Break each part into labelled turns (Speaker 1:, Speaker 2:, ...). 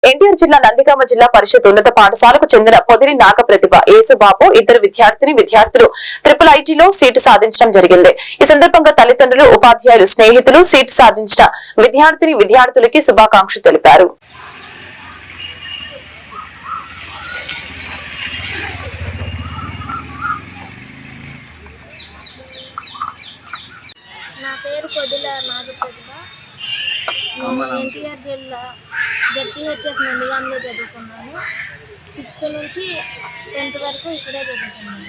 Speaker 1: ఎన్టీఆర్ జిల్లా నందిగామ జిల్లా పరిషత్ ఉన్నత పాఠశాలకు చెందిన పొదిలి నాగప్రతిభ యేసుబాబు ఇద్దరు విద్యార్థులు IIITలో సీటు సాధించడం జరిగింది. ఈ సందర్భంగా తల్లిదండ్రులు, ఉపాధ్యాయులు, స్నేహితులు సీటు సాధించిన విద్యార్థులకి శుభాకాంక్షలు తెలిపారు.
Speaker 2: నా పేరు పొదిల నాగప్రతిభ. ఎన్టీఆర్ జిల్లా జెడ్పీహెచ్ఎస్ నందిగామలో చదువుకున్నాను. 6th నుంచి 10th వరకు ఇక్కడే చదువుకున్నాను.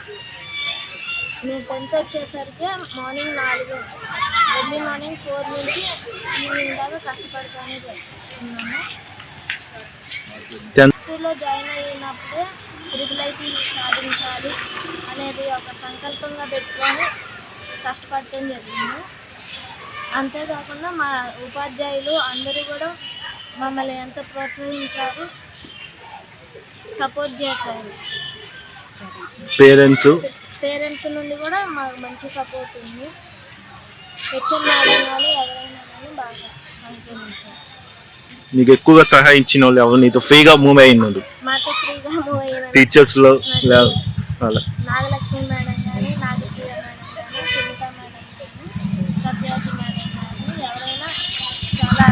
Speaker 2: నేను 10th వచ్చేసరికి మార్నింగ్ 4 ఎర్లీ మార్నింగ్ 4 నుంచి ఈవినింగ్ దాకా కష్టపడుతూనే చదువుకున్నాను. స్కూల్లో జాయిన్ అయినప్పుడే IIIT సాధించాలి అనేది ఒక సంకల్పంగా పెట్టుకొని కష్టపడటం జరిగింది. అంతేకాకుండా మా ఉపాధ్యాయులు అందరూ కూడా మమ్మల్ని ఎంత ప్రోత్సహించారు, సపోర్ట్ చేశారు. పేరెంట్స్ నుండి కూడా మాకు మంచి సపోర్ట్ ఉంది. హెచ్ఎం మేడం కానీ ఎవరైనా కానీ బాగా సహకరించారు.
Speaker 3: నీకు ఎక్కువగా సహాయించిన వాళ్ళు ఎవరు? నీతో ఫ్రీగా మూవ్ అయినారు?
Speaker 2: మాతో ఫ్రీగా మూవ్ అయిన
Speaker 3: టీచర్స్లో
Speaker 2: నాగలక్ష్మి మేడం కానీ, నాగప్రియ మేడం కానీ, సునీత మేడం కానీ, సత్యావతి మేడం కానీ ఎవరైనా చాలా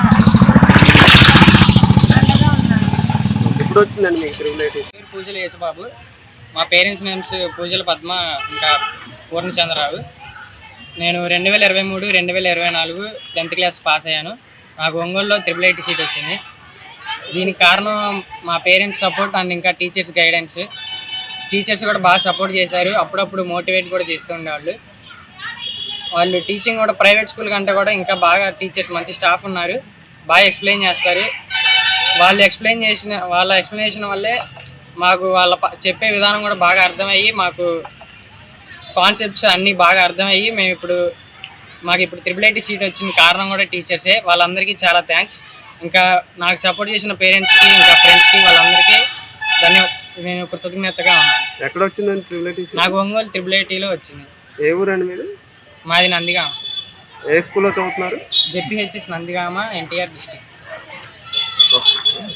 Speaker 2: అండగా ఉన్నారు.
Speaker 4: ఎప్పుడు వచ్చిందండి మీకు IIIT?
Speaker 5: పూజల యేసుబాబు. మా పేరెంట్స్ నేమ్స్ పూజల పద్మ ఇంకా పూర్ణచంద్రరావు. నేను 2023, 2024 10th క్లాస్ పాస్ అయ్యాను. నాకు ఒంగోలులో IIIT సీట్ వచ్చింది. దీనికి కారణం మా పేరెంట్స్ సపోర్ట్ అండ్ ఇంకా టీచర్స్ గైడెన్స్. టీచర్స్ కూడా బాగా సపోర్ట్ చేశారు. అప్పుడప్పుడు మోటివేట్ కూడా చేస్తూ ఉండేవాళ్ళు. వాళ్ళు టీచింగ్ కూడా ప్రైవేట్ స్కూల్ కంటే కూడా ఇంకా బాగా టీచర్స్ మంచి స్టాఫ్ ఉన్నారు. బాగా ఎక్స్ప్లెయిన్ చేస్తారు. వాళ్ళ ఎక్స్ప్లెనేషన్ వల్లే మాకు వాళ్ళ చెప్పే విధానం కూడా బాగా అర్థమయ్యి, మాకు కాన్సెప్ట్స్ అన్నీ బాగా అర్థమయ్యి మాకు ఇప్పుడు IIIT సీట్ వచ్చిన కారణం కూడా టీచర్సే. వాళ్ళందరికీ చాలా థ్యాంక్స్. ఇంకా నాకు సపోర్ట్ చేసిన పేరెంట్స్కి, ఇంకా ఫ్రెండ్స్కి, వాళ్ళందరికీ నేను కృతజ్ఞతగా ఉన్నాను.
Speaker 4: ఎక్కడ వచ్చిందండి IIIT?
Speaker 5: నాకు ఒంగోలు IIITలో వచ్చింది.
Speaker 4: ఏ ఊరండి మీది?
Speaker 5: మాది నందిగామ.
Speaker 4: ఏ స్కూల్లో చదువుతున్నారు?
Speaker 5: ZPHS Nandigama, NTR district.